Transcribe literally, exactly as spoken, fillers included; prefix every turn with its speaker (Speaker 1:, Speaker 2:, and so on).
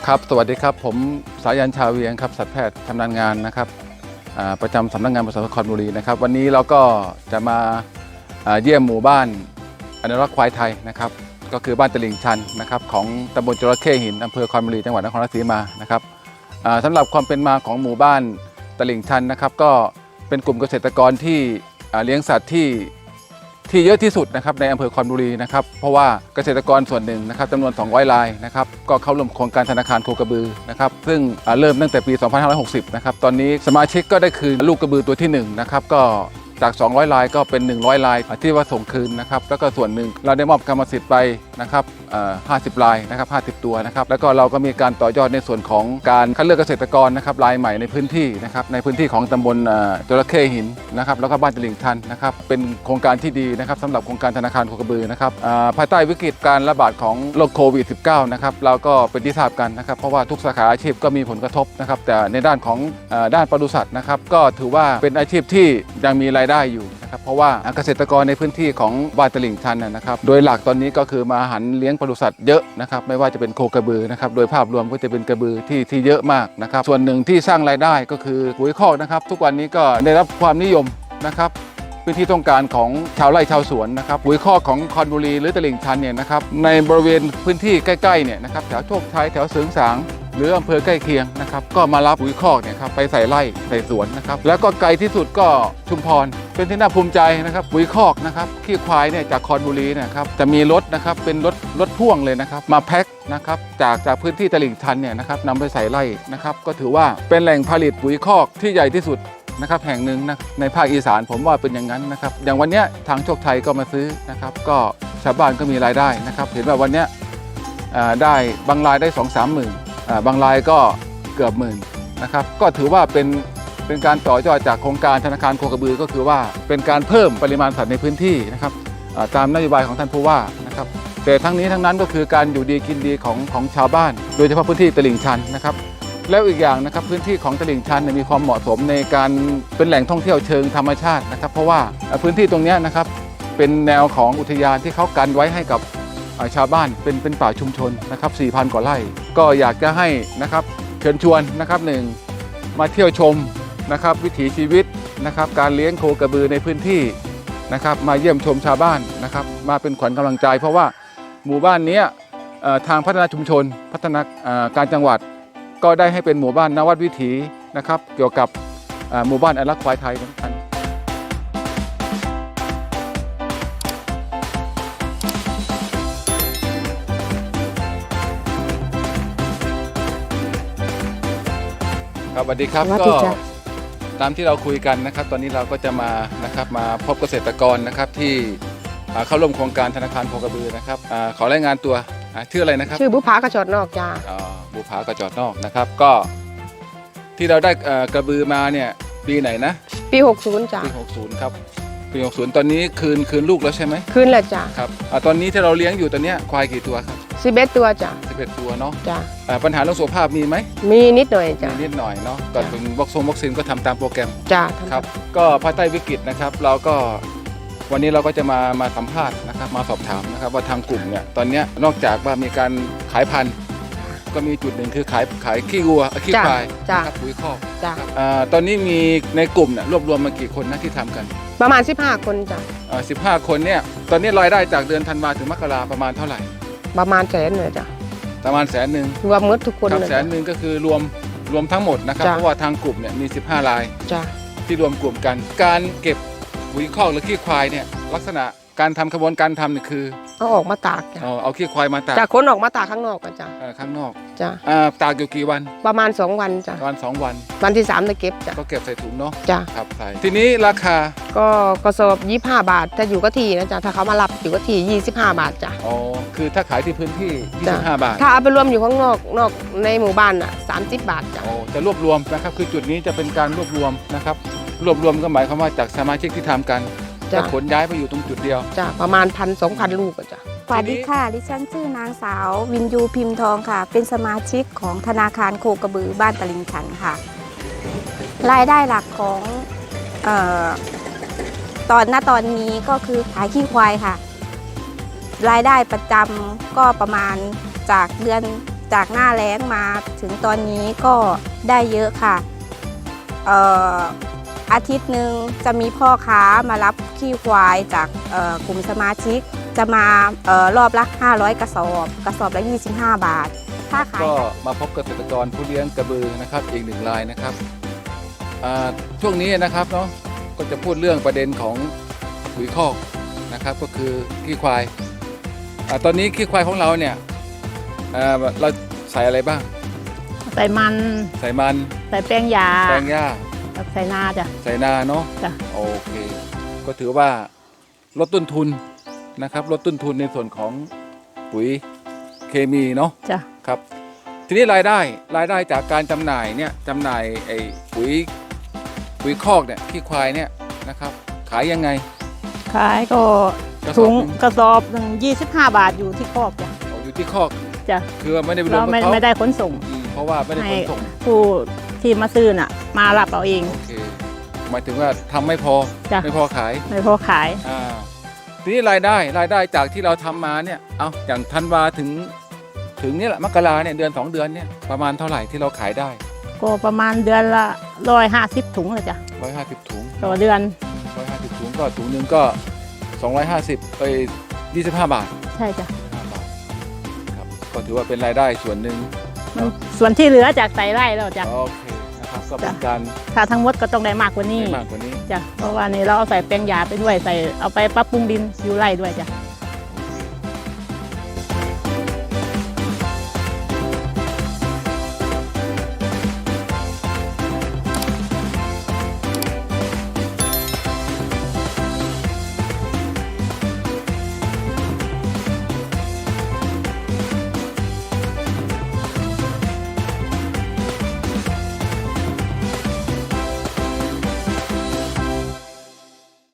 Speaker 1: ครับสวัสดีครับผมสายันชาเวียงครับสัตวแพทย์ชำนาญงานนะครับประจำสำนักงานปศุสัตว์นครบุรีนะครับวันนี้เราก็จะมาเยี่ยมหมู่บ้านอนุรักษ์ควายไทยนะครับก็คือบ้านตลิ่งชันนะครับของตำบลจระเข้หินอำเภอคอนบุรีจังหวัดนครราชสีมานะครับสำหรับความเป็นมาของหมู่บ้านตลิ่งชันนะครับก็เป็นกลุ่มเกษตรกรที่เลี้ยงสัตว์ที่ที่เยอะที่สุดนะครับในอำเภอคอนบุรีนะครับเพราะว่าเกษตรกรส่วนหนึ่งนะครับจำนวนสองร้อยรายนะครับก็เข้าร่วมโครงการธนาคารโคกระบือนะครับซึ่งเริ่มตั้งแต่ปี สองพันห้าร้อยหกสิบ นะครับตอนนี้สมาชิกก็ได้คืนลูกกระบือตัวที่หนึ่งนะครับก็จากสองร้อยรายก็เป็นหนึ่งร้อยรายที่ว่าส่งคืนนะครับแล้วก็ส่วนหนึ่งเราได้มอบกรรมสิทธิ์ไปนะครับห้าสิบรายนะครับห้าสิบตัวนะครับแล้วก็เราก็มีการต่อยอดในส่วนของการคัดเลือกเกษตรกรนะครับรายใหม่ในพื้นที่นะครับในพื้นที่ของตำบลจระเข้หินนะครับแล้วก็บ้านตลิ่งชันนะครับเป็นโครงการที่ดีนะครับสำหรับโครงการธนาคารโคกระบือนะครับภายใต้วิกฤตการระบาดของโรคโควิด สิบเก้า นะครับเราก็เป็นที่ทราบกันนะครับเพราะว่าทุกสาขาอาชีพก็มีผลกระทบนะครับแต่ในด้านของด้านปศุสัตว์นะครับก็ถือว่าเป็นอาชีพที่ยังมีรายได้อยู่นะครับเพราะว่าเกษตรกรในพื้นที่ของบ้านตลิ่งชันนะครับโดยหลักตอนนี้ก็คือมาหันเลี้ยงปศุสัตว์เยอะนะครับไม่ว่าจะเป็นโคกระบือนะครับโดยภาพรวมก็จะเป็นกระบือที่ที่เยอะมากนะครับส่วนหนึ่งที่สร้างรายได้ก็คือปุ๋ยคอกนะครับทุกวันนี้ก็ได้รับความนิยมนะครับเป็นที่ต้องการของชาวไร่ชาวสวนนะครับปุ๋ยคอกของคอนบุรีหรือตลิ่งชันเนี่ยนะครับในบริเวณพื้นที่ใกล้ๆเนี่ยนะครับแถวโชคชัยแถวเสริงสางหรืออำเภอใกล้เคียงนะครับก็มารับปุ๋ยคอกเนี่ยครับไปใส่ไร่ใส่สวนนะครับแล้วก็ไกลที่สุดก็ชุมพรเป็นที่น่าภูมิใจนะครับปุ๋ยคอกนะครับขี้ควายเนี่ยจากคอนบุรีนะครับจะมีรถนะครับเป็นรถรถพ่วงเลยนะครับมาแพ็คนะครับจากจากพื้นที่ตลิ่งชันเนี่ยนะครับนำไปใส่ไร่นะครับก็ถือว่าเป็นแหล่งผลิตปุ๋ยคอกที่ใหญ่ที่สุดนะครับแห่งหนึ่งนะในภาคอีสานผมว่าเป็นอย่างนั้นนะครับอย่างวันนี้ทางโชคชัยก็มาซื้อนะครับก็ชาวบ้านก็มีรายได้นะครับเห็นว่าวันนี้ได้บางรายได้ สองถึงสามหมื่นบางรายก็เกือบหมื่นนะครับก็ถือว่าเป็นเป็นการต่อยอดจากโครงการธนาคารโคกระบือก็คือว่าเป็นการเพิ่มปริมาณสัตว์ในพื้นที่นะครับตามนโยบายของท่านผู้ว่านะครับแต่ทั้งนี้ทั้งนั้นก็คือการอยู่ดีกินดีของของชาวบ้านโดยเฉพาะพื้นที่ตลิ่งชันนะครับแล้วอีกอย่างนะครับพื้นที่ของตลิ่งชันมีความเหมาะสมในการเป็นแหล่งท่องเที่ยวเชิงธรรมชาตินะครับเพราะว่าพื้นที่ตรงนี้นะครับเป็นแนวของอุทยานที่เขากันไว้ให้กับชาวบ้านเป็นเป็นป่าชุมชนนะครับ สี่พัน กว่าไร่ก็อยากจะให้นะครับเชิญชวนนะครับหนึ่งมาเที่ยวชมนะครับวิถีชีวิตนะครับการเลี้ยงโคกระบือในพื้นที่นะครับมาเยี่ยมชมชาวบ้านนะครับมาเป็นขวัญกำลังใจเพราะว่าหมู่บ้านนี้ทางพัฒนาชุมชนพัฒนาการจังหวัดก็ได้ให้เป็นหมู่บ้านนวัดวิถีนะครับเกี่ยวกับหมู่บ้านอนุรักษ์ควายไทยเหมือนกันสวัสดีครับก็ตามที่เราคุยกันนะครับตอนนี้เราก็จะมานะครับมาพบเกษตรกรนะครับที่เข้าร่วมโครงการธนาคารโคกระบือนะครับขอรายงานตัวชื่ออะไรนะครับ
Speaker 2: ชื่อบุภากระจอดนอกจ้า
Speaker 1: อ๋อบุภากระจอดนอกนะครับก็ที่เราได้กระบือมาเนี่ยปีไหนนะ
Speaker 2: ปีหกสิบจ้า
Speaker 1: ปีหกสิบครับปีหกสิบตอนนี้คืนคืนลูกแล้วใช่ไหม
Speaker 2: คืนแล้วจ้า
Speaker 1: ครับตอนนี้ที่เราเลี้ยงอยู่ตอนนี้ควายกี่ตัวครับ
Speaker 2: สิบเอ็ดตัวจ้า
Speaker 1: สิบเอ็ดตัวเนาะ
Speaker 2: จ้า
Speaker 1: ปัญหาเรื่องสุขภาพมีไหม
Speaker 2: มีนิดหน่อยจ้า
Speaker 1: มีนิดหน่อยเนาะก่อนเป็นวัคซีนวัคซีนก็ทำตามโปรแกรม
Speaker 2: จ้า
Speaker 1: ครับก็ภายใต้วิกฤตนะครับเราก็วันนี้เราก็จะมามาสัมภาษณ์นะครับมาสอบถามนะครับว่าทางกลุ่มเนี่ยตอนนี้นอกจากว่ามีการขายพันธุ์ก็มีจุดหนึ่งคือขายขายขี้วัวขี้ควายนะครับปุ๋ยคอกตอนนี้มีในกลุ่มเนี่ยรวบรวมมากี่คนนะที่ทำกัน
Speaker 2: ประมาณสิบห้าคนจ้ะ
Speaker 1: สิบห้าคนเนี่ยตอนนี้รายได้จากเดือนธันวาถึงมกราประมาณเท่าไหร่
Speaker 2: ประมาณแสนเลยจ้ะ
Speaker 1: ประมาณแสนหนึ่ง
Speaker 2: รวมหมดทุกคน
Speaker 1: เลยแสนหนึ่งก็คือรวมรวมทั้งหมดนะครับเพราะว่าทางกลุ่มเนี่ยมีสิบห้ารายที่รวมกลุ่มกันการเก็บปุ๋ยคอกหรือขี้ควายเนี่ยลักษณะการทำกระบวนการทำเนี่ยคือ
Speaker 2: เอาออกมาตากจ้ะ
Speaker 1: เอาขี้ควายมาตาก
Speaker 2: จากคนออกมาตากข้างนอกกันจ้ะ
Speaker 1: ข้างนอก
Speaker 2: จ้ะ
Speaker 1: ตากอยู่กี่วัน
Speaker 2: ประมาณสองวันจ้ะ
Speaker 1: ประมาณสองวัน
Speaker 2: วันที่สามจะเก็บจ้ะ
Speaker 1: ก็เก็บใส่ถุงเนาะ
Speaker 2: จ้ะ
Speaker 1: ครับใส่ทีนี้ราคา
Speaker 2: ก็กระสอบยี่สิบห้าบาทถ้าอยู่ก็ที่นะจ๊ะถ้าเขามารับอยู่ก็ที่ยี่สิบห้าบาทจ้ะ
Speaker 1: อ๋อคือถ้าขายที่พื้นที่ยี่สิบห้าบาท
Speaker 2: ถ้าเอาไปรวมอยู่ข้างนอกนอกในหมู่บ้านอ่ะสามสิบบาทจ้ะ
Speaker 1: โอ้จะรวบรวมนะครับคือจุดนี้จะเป็นการรวบรวมนะครับรวบรวมก็หมายความว่าจากสมาชิกที่ทำกันจะขนย้ายไปอยู่ตรงจุดเดียว
Speaker 2: จ้ะประมาณพันสองพันลูกจ้ะ
Speaker 3: สวัสดีค่ะดิฉันชื่อนางสาววินยูพิมพ์ทองค่ะเป็นสมาชิกของธนาคารโคกระบือบ้านตลิ่งชันค่ะรายได้หลักของเอ่อตอนณตอนนี้ก็คือขายขี้ควายค่ะรายได้ประจำก็ประมาณจากเดือนจากหน้าแล้งมาถึงตอนนี้ก็ได้เยอะค่ะเอ่ออาทิตย์หนึ่งจะมีพ่อค้ามารับขี้ควายจากเอ่อกลุ่มสมาชิกจะมาเอ่อรอบละห้าร้อยกระสอบกระสอบละยี่สิบห้าบาทถ้าขาย
Speaker 1: ก็มาพบเกษตรกรผู้เลี้ยงกระบือนะครับอีกหนึ่งรายนะครับอ่าช่วงนี้นะครับเนาะก็จะพูดเรื่องประเด็นของปุ๋ยคอกนะครับก็คือขี้ควายอาตอนนี้ขี้ควายของเราเนี่ยอ่าเราใส่อะไรบ้าง
Speaker 4: ใส่มัน
Speaker 1: ใส่มัน
Speaker 4: ใส่แป้งยา
Speaker 1: แปลงหญ้า
Speaker 4: กับใส่นาจ้ะ
Speaker 1: ใส่นาเนาะ
Speaker 4: จ้ะ
Speaker 1: โอเค ก็ถือว่าลดต้นทุนนะครับลดต้นทุนในส่วนของปุ๋ยเคมีเนาะ
Speaker 4: จ้ะ
Speaker 1: ครับทีนี้รายได้รายได้จากการจำหน่ายเนี่ยจำหน่ายไอ้ปุ๋ยปุ๋ยคอกเนี่ยขี้ควายเนี่ยนะครับขายยังไง
Speaker 4: ขายก็
Speaker 1: กระส
Speaker 4: ถุ
Speaker 1: อบ
Speaker 4: ง
Speaker 1: หนึ่ง
Speaker 4: กระสอบหนึ่งยี่สิบห้าบาทอยู่ที่คอกจ้ะ
Speaker 1: เอาอยู่ที่คอก
Speaker 4: จ้ะ
Speaker 1: คือว่าไม่ได้ไปรว
Speaker 4: เรา
Speaker 1: มกับ
Speaker 4: ไม่
Speaker 1: เขา
Speaker 4: ไม่ได้ขนส่ง
Speaker 1: อืมเพราะว่าไม่ได้ข
Speaker 4: ให้
Speaker 1: นส่ง
Speaker 4: ผู้ที่มาซื้อน่ะ มารับเอาเอง
Speaker 1: โอเคหมายถึงว่าทำไม่พอ
Speaker 4: จ้ะ
Speaker 1: ไม่พอขาย
Speaker 4: ไม่พอขาย
Speaker 1: อ่าทีนี้รายได้รายได้จากที่เราทำมาเนี่ยเอาอย่างธันวาถึงถึงนี่แหละมกราเนี่ยเดือนสองเดือนเนี่ยประมาณเท่าไหร่ที่เราขายได้
Speaker 4: ก็ประมาณเดือนละร้อยห้าสิบถุงเลยจ้ะ
Speaker 1: ร้อยห้าสิบถุง
Speaker 4: ต่อเดือน
Speaker 1: ร้อยห้าสิบถุงก็ถุงหนึ่งก็สองร้อยห้าสิบไปยี่สิบห้าบาท
Speaker 4: ใช่จ้ะ
Speaker 1: ห้าบาทครับก็ถือว่าเป็นรายได้ส่วนหนึ่ง
Speaker 4: มันส่วนที่เหลือจากใส่ไร่แล้วจ้ะ
Speaker 1: โอเคนะครับก็เป็นการ
Speaker 4: ถ้าทั้งหมดก็ต้องได้มากกว่านี้
Speaker 1: ได้มากกว่านี้
Speaker 4: จ้ะเพราะว่านี่เราเอาใส่แป้งยาไปด้วยใส่เอาไปปรับปรุงดินอยู่ไร่ด้วยจ้ะ